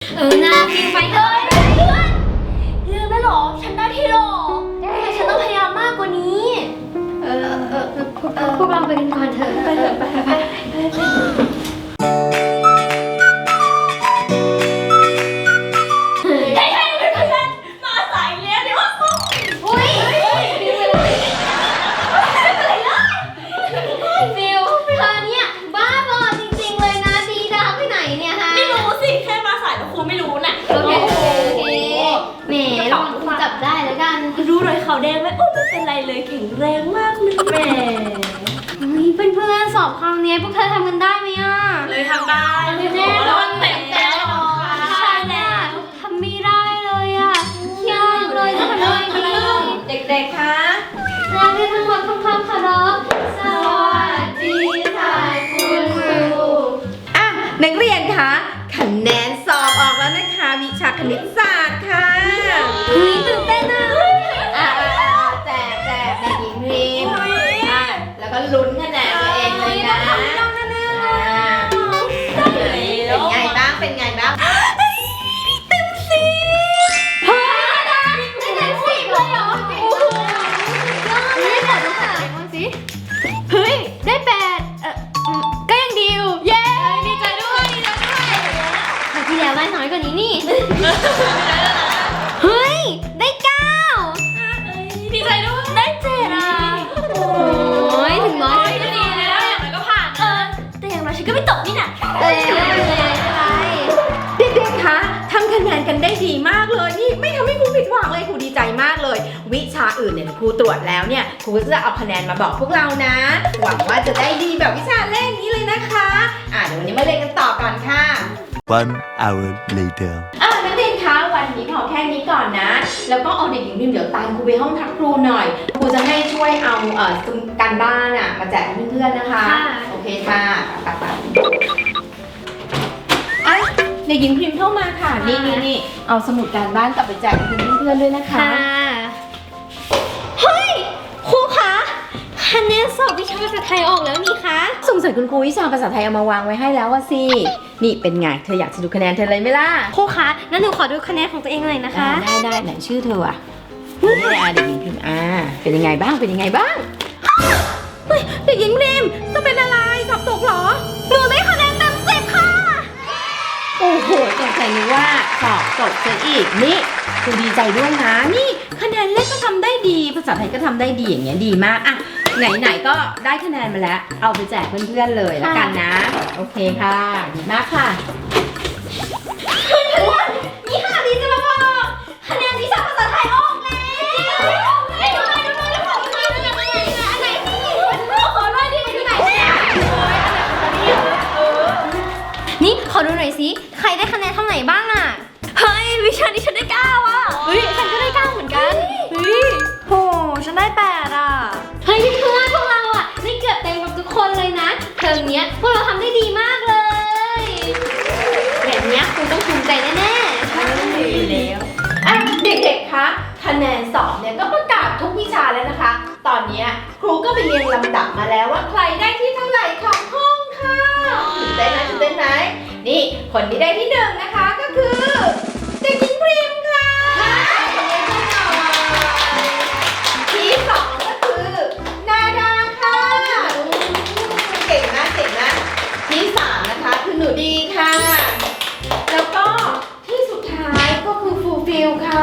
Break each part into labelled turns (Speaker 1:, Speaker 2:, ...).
Speaker 1: นะฟิวไปเถอะเรื่องนั้นหรอฉันได้ที่หรอแต่ฉันต้องพยายามมากกว่านี้พวกเราไปกันก่อนเถอะไปเถอะไปมาสายแล้วเดี๋ยวอุ้ยฟิวเธอเนี่ยบ้าบอจริงๆเลยนะดีดาไปไหนเนี่ยฮะ
Speaker 2: ไม่รู้สิแค่มาสายแล้วครูไม่รู้น่ะ
Speaker 1: โอเคแหมลองคุณจับได้แล้วกัน
Speaker 2: รู้รอยเขาแดงไหมโอ้ไม่เป็นไรเลยแข็งแรงมากเลยแหม
Speaker 1: เพื่อนๆสอบคราวนี้พวกเธอทำกันได้ไหมอ่ะ
Speaker 2: เลยทำได้
Speaker 1: แน่นอนเต็มแล้วใช่แล้วทำไม่ได้เลยอ่ะยากเลยจะทำยังไงดี
Speaker 2: เด็กๆคะ
Speaker 1: นักเรียนทั้งหมดทำความเคารพสวัสดีค่ะคุณครู
Speaker 3: นักเรียนคะคะแนนสอบออกแล้วนะคะวิชาคณิตศาสตร์ค่ะ
Speaker 1: ตื่นเต้นนะ
Speaker 3: แจกเด็กหญิงพิมพ์แล้วก็ลุ้นคะแนนตัวเองเลยนะเป็นไงบ้าง
Speaker 1: เต็ม10เฮ้ยได้เต็ม10เลยเหรอโอ้โหยอดเลยค่ะสิเฮ้ยได้8ก็ยังดีอยู่เย้ดีใจด้วยคราวที่แล้วได้น้อยกว่านี้นี่เฮ้ยได้9
Speaker 2: ดีใจด้วย
Speaker 1: ได้7อ่ะโอ้ยถึงน้อย
Speaker 2: ก็ดีแล้วอย่างไรก็ผ่านแต่อย่างไรฉันก็ไม่ตกนี่น่ะ
Speaker 1: ไม่
Speaker 3: เด็กๆคะทำคะแนนกันได้ดีมากเลยนี่ไม่ทำให้ครูผิดหวังเลยครูดีใจมากเลยวิชาอื่นเนี่ยครูตรวจแล้วเนี่ยครูก็จะเอาคะแนนมาบอกพวกเรานะหวังว่าจะได้ดีแบบวิชาเลขนี้เลยนะคะเดี๋ยววันนี้มาเรียนกันต่อก่อนค่ะ
Speaker 4: 1 hour later
Speaker 3: นักเรียนคะวันนี้พอแค่นี้ก่อนนะแล้วก็เอาเด็กหญิงพิมพ์เดี๋ยวตามครูไปห้องพักครูหน่อยครูจะให้ช่วยเอาการบ้านมาแจกให้เพื่อนๆนะคะโอเคค่ะไปเด็กหญิงพิมพ์เข้ามาค่ะนี่เอาสมุดการบ้านกลับไปแจกให้เพื่อนๆด้วยนะคะ
Speaker 1: เฮ้ยครูคะคะแนนสอบวิชาภาษาไทยออกแล้วนี่คะ
Speaker 3: สงสัยคุณครูวิชาภาษาไทยเอามาวางไว้ให้แล้วว่าสินี่เป็นไงเธออยากจะดูคะแนนเธอเลยไหมล่ะ
Speaker 1: ครูคะงั้นหนูขอดูคะแนนของตัวเองหน่อยนะคะ
Speaker 3: ได้ไหนชื่อเธอนี่เด็กหญิงพิมพ์เป็นยังไงบ้างเฮ้ยเด็กหญิงพิมพ์จะเป็นอะไรสอบตกเหรอ
Speaker 1: หนูได้คะแนนเต็ม10ค่ะ
Speaker 3: โอ้โหสงสัยนึกว่าสอบตกซะอีกนี่คุณดีใจด้วยนะนี่คะแนนเลขก็ทำได้ดีภาษาไทยก็ทำได้ดีอย่างเงี้ยดีมากไหนก็ได้คะแนนมาแล้วเอาไปแจกเพื่อนๆเลยแล้วกันนะโอเคค่ะดีมากค่ะ
Speaker 1: นี่ค่ะดีจะมาบอกคะแนนวิชาภาษาไทยออกแล้วนี่ขอดูหน่อยสิใครได้คะแนนเท่าไหร่บ้างอ่ะ
Speaker 2: เฮ้ยวิชานี้ฉันได้9อ่ะ
Speaker 1: เฮ้ยฉันก็ได้9เหมือนกัน
Speaker 2: เฮ้ยโหฉันได้8อ่ะ
Speaker 1: เฮ้ยเพื่อนพวกเราอ่ะได้เกือบเต็มกับทุกคนเลยนะเทอมเนี้ยพวกเราทำได้ดีมากเลยแบบเนี้ยคุณต้องภูมิใจแน่ๆ
Speaker 2: ใช่แล้ว
Speaker 3: เด็กๆคะคะแนนสอบเนี่ยก็ประกาศทุกวิชาแล้วนะคะตอนนี้ครูก็ไปเรียงลำดับมาแล้วว่าใครได้ที่เท่าไหร่ของห้องค่ะตื่นเต้นไหมนี่คนที่ได้ที่1นะคะก็คือเด็กหญิงพิมพ์ค่ะที่2ก็คือนาดาค่ะเก่งมากที่3นะคะคือหนูดีค่ะแล้วก็ที่สุดท้ายก็คือฟูฟิลค่ะ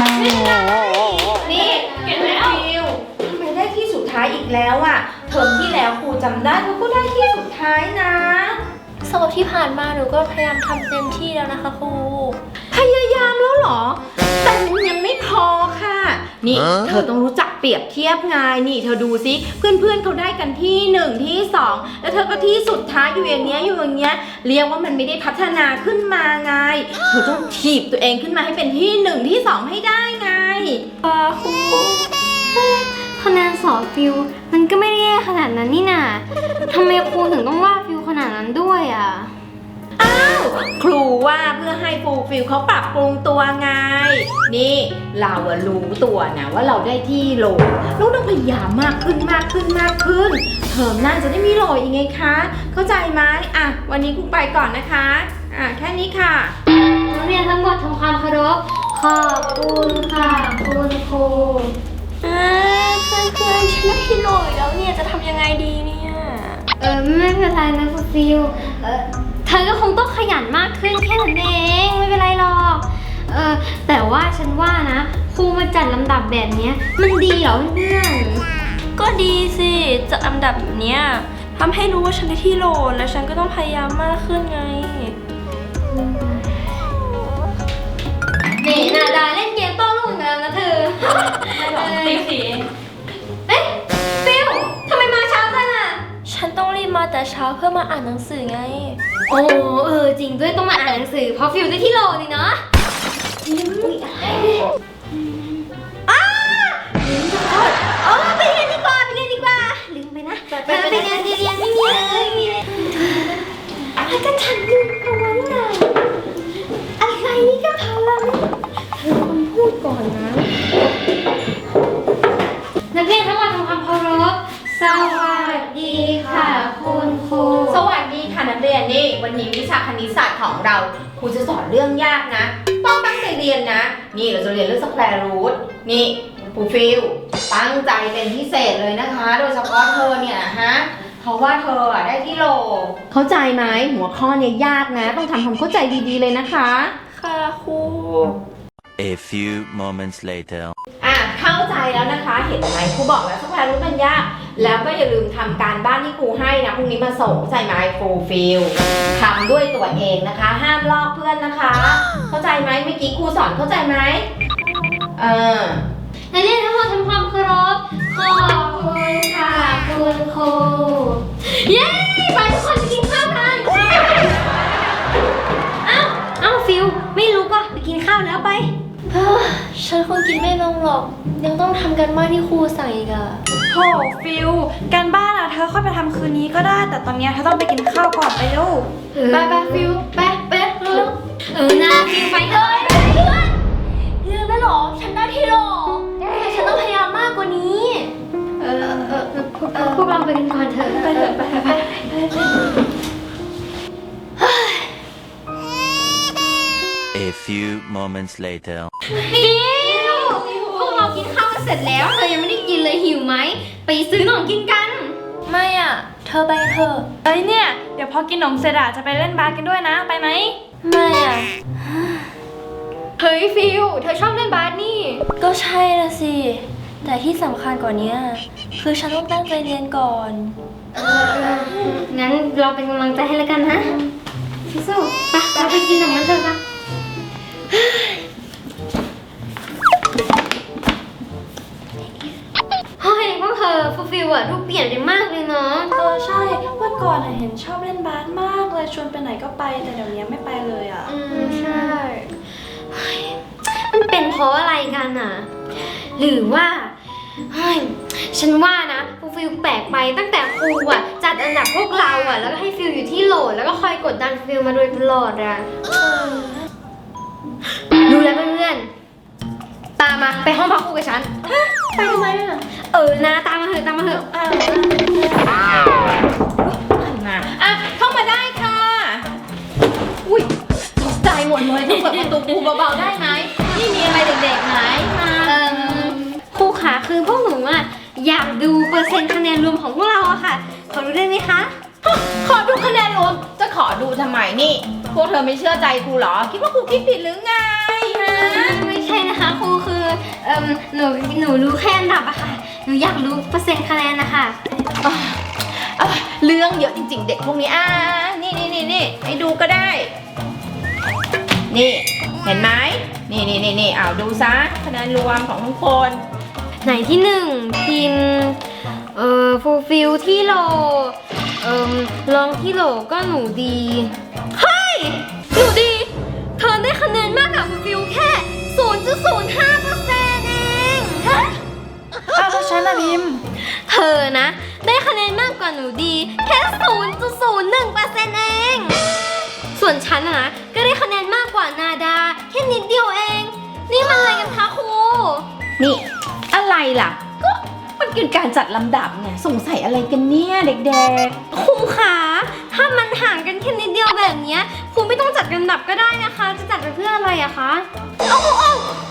Speaker 3: นี่
Speaker 2: เก่งแล้ว
Speaker 3: ฟิลทำไมได้ที่สุดท้ายอีกแล้วเทอมที่แล้วครูจำได้เขาก็ได้ที่สุดท้ายนะ
Speaker 2: สอบที่ผ่านมาหนูก็พยายามทำเต็มที่แล้วนะคะครู
Speaker 3: พยายามแล้วเหรอแต่มันยังไม่พอค่ะนี่เธอต้องรู้จักเปรียบเทียบไงนี่เธอดูสิเพื่อนๆเขาได้กันที่1ที่2แล้วเธอก็ที่สุดท้ายอยู่อย่างเงี้ยเรียกว่ามันไม่ได้พัฒนาขึ้นมาไงเธอต้องถีบตัวเองขึ้นมาให้เป็นที่1ที่2ให้ได้ไง
Speaker 1: ครูคะแนนสอบฟิวมันก็ไม่ได้แย่ขนาดนั้นนี่นาทำไมครูถึงต้องว่าฟิวขนาดนั้นด้วย
Speaker 3: ครูว่าเพื่อให้ฟูลฟิลเขาปรับปรุงตัวไงนี่เรารู้ตัวนะว่าเราได้ที่โหลเราต้องพยายามมากขึ้นเทอมหน้าจะได้มีโหลอีกไงคะเข้าใจไหมวันนี้ครูไปก่อนนะคะแค่นี้ค่ะ
Speaker 1: นักเรียนอบคุณค่ะคุณครู
Speaker 2: เพื่อนฉันได้ที่โหลอีกแล้วเนี่ยจะทำยังไงดีเนี่ย
Speaker 1: ไม่เป็นไรนะฟูฟิลเธอก็คงต้องขยันมากขึ้นแค่นั้นเองไม่เป็นไรหรอกแต่ว่าฉันว่านะครูมาจัดลำดับแบบเนี้ยมันดีเหรอเพื่อน
Speaker 2: ก็ดีสิจัดอันดับแบบเนี้ยทำให้รู้ว่าฉันได้ที่โหลและฉันก็ต้องพยายามมากขึ้นไง
Speaker 1: นี่นาดาเล่นเกมโต้รุ่งกันแล้วนะเธอ
Speaker 2: ตีสี
Speaker 1: เอ๊ะฟิลทำไมมาเช้าจังอ่ะ
Speaker 2: ฉันต้องรีบมาแต่เช้าเพื่อมาอ่านหนังสือไง
Speaker 1: โอ้จริงด้วยต้องมาอ่านหนังสือเพราะฟิลได้ที่โหลนี่เนาะอุ๊ยอะไรเนี่ยไปเรียนดีกว่าลืมไปนะไปเรียนไม่มีอะไรก็ฉันลืมเอาไว้น่ะอะไรนี่ก็พาลังเธอคนพูดก่อนนะนักเรียนทั้งหมดทำความเคารพสวัสดีค่ะคุณครู
Speaker 3: สวัสดีค่ะนักเรียนนี่วันนี้วิชาคณิตศาสตร์ของเราครูจะสอนเรื่องยากนะต้องตั้งใจเรียนนะนี่เราจะเรียนเรื่องสแควร์รูทนี่ครูฟิลตั้งใจเป็นพิเศษเลยนะคะ โดยเฉพาะเธอเนี่ยฮะเพราะว่าเธอได้ที่โหลเข้าใจไหมหัวข้อเนี่ยยากนะต้องทำความเข้าใจดีๆเลยนะคะ
Speaker 2: ค่ะครู
Speaker 4: A few moments later.
Speaker 3: เข้าใจแล้วนะคะเห็นไหมครูบอกแล้วสแควร์รูทมันยากแล้วก็อย่าลืมทำการบ้านที่ครูให้นะพรุ่งนี้มาส่งเข้าใจไหมครูฟิลทำด้วยตัวเองนะคะ ห้ามลอกเพื่อนนะคะ เข้าใจไหมเมื่อกี้ครูสอนเข้าใจไหม
Speaker 1: นักเรียนทั้งหมดทำความเคารพขอบคุณค่ะคุณครูเย้ไปทุกคนไปกินข้าวกันอ้าวฟิลไม่รู้ก็ไปกินข้าวแล้วไป
Speaker 2: ฉันคงกินไม่ลงหรอกยังต้องทำกันบ้านที่ครูสั่งอีกอะ
Speaker 5: โหฟิลการบ้านอะเธอค่อยไปทำคืนนี้ก็ได้ แต่ตอนเนี้ยเธอต้องไปกินข้าวก่อนไปเร็ว
Speaker 1: ไปฟิลไปเร็วนะฟิลไปเลย
Speaker 2: ลืมแล้วหรอฉันได้ที่โหลแต่ฉันต้องพยายามมากกว่านี้
Speaker 1: พวกเราไปกันก่อนเถอะไปเถอะไป
Speaker 4: A few moments later.
Speaker 1: ฟิลพวกเรากินข้าวกันเสร็จแล้วเธอยังไม่ได้กินเลยหิวไหมไปซื้อขนมกินกัน
Speaker 2: ไม่อ่ะ เธอไปเถอะ
Speaker 5: เอ้ยเนี่ย เดี๋ยวพอกินนมเสร็จอะจะไปเล่นบาสกันด้วยนะ ไปไหม
Speaker 2: ไม่อ่ะ
Speaker 1: เฮ้ยฟิลเธอชอบเล่นบาสนี่
Speaker 2: ก็ใช่ละสิ แต่ที่สำคัญกว่านี้คือฉันต้องตั้งใจเรียนก่อน
Speaker 1: งั้นเราเป็นกำลังใจให้แล้วกันนะสู้ๆไปเราไปกินขนมกันเถอะค่ะเฮ้ยพวกเธอฟูฟิลอะดูเปลี่ยนไปมากเลยเนาะ
Speaker 5: ใช่เมื่อก่อนอะเห็นชอบเล่นบาสมากเลยชวนไปไหนก็ไป แต่เดี๋ยวนี้ไม่ไปเลยอะ
Speaker 1: ใช่เฮ้ยมันเป็นเพราะอะไรกันอะหรือว่าเฮ้ยฉันว่านะฟูฟิลแปลกไปตั้งแต่ครูอะจัดอันดับพวกเราอะแล้วก็ให้ฟิลอยู่ที่โหลแล้วก็คอยกดดันฟิลมาโดยตลอดอะรู้แล้วเพื่อนๆตามมาไปห้องพักครูกับฉัน
Speaker 2: ไปทำไมอ่ะ
Speaker 1: นะตามมาเถอะเข้ามา
Speaker 3: เข้ามาได้ค่ะอุ้ยตกใจหมดเลยต้องเปิดประตูครูเบาๆได้ไหมนี่มีอะไรเด็กๆไหมมา
Speaker 1: ครูขาคือพวกหนูอะอยากดูเปอร์เซ็นต์คะแนนรวมของพวกเราอะค่ะขอรู้ได้ไหมคะ
Speaker 3: ขอดูคะแนนรวมจะขอดูทำไมนี่ พวกเธอไม่เชื่อใจครูเหรอคิดว่าครูคิดผิดหรือไงฮะ
Speaker 1: ไม่ใช่นะคะครูคือหนูรู้แค่อันดับอะค่ะหนูอยากรู้เปอร์เซ็นต์คะแนนนะคะ
Speaker 3: เรื่องเยอะจริงๆเด็กพวกนี้นี่ให้ดูก็ได้ นี่เห็นไหมนี่เอาดูซะคะแนนรวมของทุกคน
Speaker 1: ไหนที่หนึ่งพินฟูลฟิลที่โหลลองที่โหลก็หนูดีเฮ้ยหนูดีเธอได้คะแนนมากกว่าฟูลฟิลแค่ 0.05% เองฮะ
Speaker 5: อ้าวแล้วฉันอะพิมพ์
Speaker 1: เธอนะได้คะแนนมากกว่าหนูดีแค่ 0.01% เองส่วนฉันนะก็ได้คะแนนมากกว่านาดาแค่นิดเดียวเองนี่มันอะไรกันคะครู
Speaker 3: นี่อะไรล่ะก็มันคือการจัดลำดับเนี่ยสงสัยอะไรกันเนี่ยเด็ก
Speaker 1: ครูคะถ้ามันห่างกันแค่นิดเดียวแบบเนี้ยครูไม่ต้องจัดลำดับก็ได้นะคะ จะจัดไปเพื่ออะไรอะคะเอา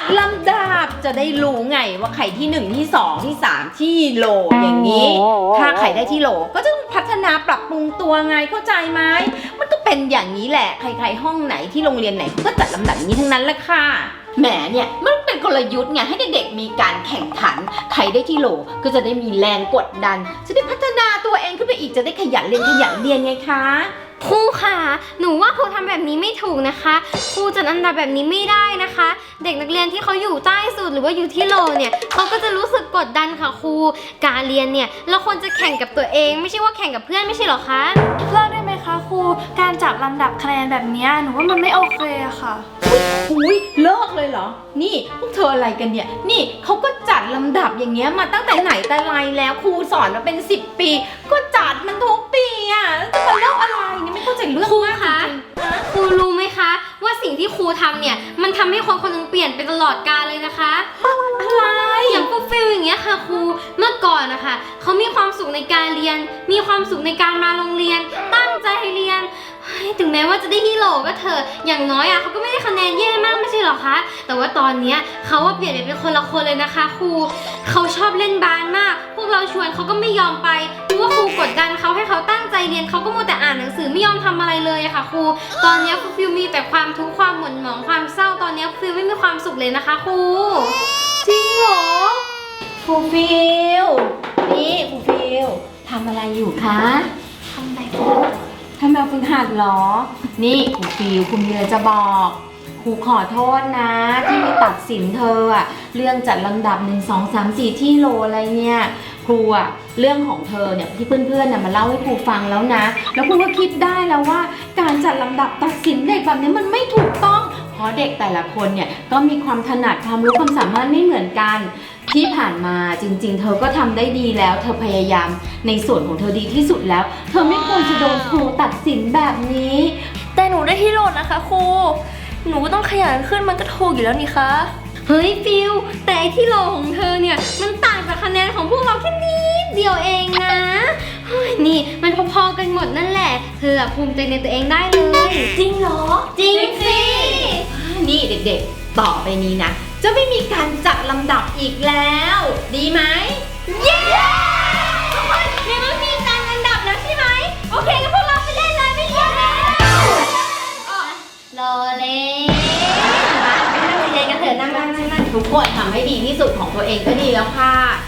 Speaker 3: ลำดับจะได้รู้ไงว่าใครที่ 1 ที่ 2 ที่ 3 ที่โหลอย่างนี้ ถ้าใครได้ที่โหลก็จะต้องพัฒนาปรับปรุงตัวไงเข้าใจไหมมันก็เป็นอย่างนี้แหละใครๆห้องไหนที่โรงเรียนไหนเขาก็จัดลำดับอย่างนี้ทั้งนั้นแหละค่ะแหมเนี่ยมันเป็นกลยุทธ์ไงให้เด็กๆมีการแข่งขันใครได้ที่โหลก็จะได้มีแรงกดดันจะได้พัฒนาตัวเองขึ้นไปอีกจะได้ขยันเรียนไงคะ
Speaker 1: ครูค่ะหนูว่าครูทำแบบนี้ไม่ถูกนะคะครูจัดอันดับแบบนี้ไม่ได้นะคะ เด็กนักเรียนที่เขาอยู่ใต้สุดหรือว่าอยู่ที่โหลเนี่ยเขาก็จะรู้สึกกดดันค่ะครูการเรียนเนี่ยเราควรจะแข่งกับตัวเองไม่ใช่ว่าแข่งกับเพื่อนไม่ใช่หรอคะ
Speaker 5: เลิกได้ไหมคะครู การจัดลำดับคะแนนแบบเนี้ยหนูว่ามันไม่โอเคอะค่ะ
Speaker 3: อุ้ยเลิกเลยเหรอนี่พวกเธออะไรกันเนี่ยนี่เขาก็จัดลำดับอย่างเงี้ยมาตั้งแต่ไหนแต่ไรแล้วครูสอนมาเป็น10 ปีก็จัดมันทุกปีอ่ะแล้วจะมาเลิกอะไรเนี่ยไม่เข้าใจเรื่อง
Speaker 1: ครู
Speaker 3: มาก
Speaker 1: คะ
Speaker 3: จริง
Speaker 1: ครูรู้ไหมคะ ว่าสิ่งที่ครูทำเนี่ยมันทำให้คนคนหนึงเปลี่ยนไปตลอดกาลเลยนะคะ
Speaker 3: อะไร
Speaker 1: อย่างพวกฟิลอย่างเงี้ยค่ะครูเมื่อก่อนนะคะเขามีความสุขในการเรียน มีความสุขในการมาโรงเรียน ตั้งใจเรียนเฮ้ยถึงแม้ว่าจะได้ฮีโร่ก็เถอะอย่างน้อยอ่ะเขาก็ไม่ได้คะแนนแย่มากไม่ใช่หรอคะแต่ว่าตอนเนี้ยเขาว่าเปลี่ยนไปเป็นคนละคนเลยนะคะครูเขาชอบเล่นบาสมาก พวกเราชวนเขาก็ไม่ยอมไปเพราะว่าครูกดดันเขาให้เขาตั้งใจเรียนเขาก็มัวแต่อ่านหนังสือไม่ยอมทำอะไรเลยอะค่ะครูตอนเนี้ยครูฟิลมีแต่ความทุกข์ความหม่นหมองความเศร้าตอนเนี้ยฟิลไม่มีความสุขเลยนะคะครู
Speaker 3: จริงเหรอครูฟิลนี่ครูฟิลทำอะไรอยู่คะทำแบบฝึกหัดเหรอนี่ครูฟิลคุณมีอะไรจะบอกครูขอโทษนะที่ไปตัดสินเธออะเรื่องจัดลำดับ1 2 3 4ที่โหลอะไรเนี่ยครูอะเรื่องของเธอเนี่ยที่เพื่อนๆน่ะมาเล่าให้ครูฟังแล้วนะแล้วครูก็คิดได้แล้วว่าการจัดลำดับตัดสินเด็กแบบนี้มันไม่ถูกต้องเพราะเด็กแต่ละคนเนี่ยก็มีความถนัดความรู้ความสามารถไม่เหมือนกันที่ผ่านมาจริงๆ เธอก็ทำได้ดีแล้วเธอพยายามในส่วนของเธอดีที่สุดแล้ว เธอไม่ควรจะโดนครูตัดสินแบบนี้
Speaker 2: แต่หนูได้ที่โหลนะคะครู หนูก็ต้องขยันขึ้นมันก็ถูกอยู่แล้วนี่คะ
Speaker 1: เฮ้ยฟิลแต่ไอที่โหลของเธอเนี่ยมันต่างจากคะแนนของพวกเราแค่นิดเดียวเองนะเฮ้ยนี่มันพอๆกันหมดนั่นแหละเธอภูมิใจในตัวเองได้เลย
Speaker 2: จริงเหรอ
Speaker 1: จริงสิ
Speaker 3: นี่เด็กๆ ต่อไปนี้นะ จะไม่มีการจัดลำดับอีกแล้ว ดีไหม
Speaker 1: เย้ทุกคนในเมื่อมีการอันดับแล้วใช่ไหมโอเคงั้นพวกเราไปเล่นเลยไม่เรียนแล้วรอเลยมาไปนั่งเรียนกันเถอะนั่ง
Speaker 3: ทุกคนทำให้ดีที่สุดของตัวเองก็ดีแล้วค่ะ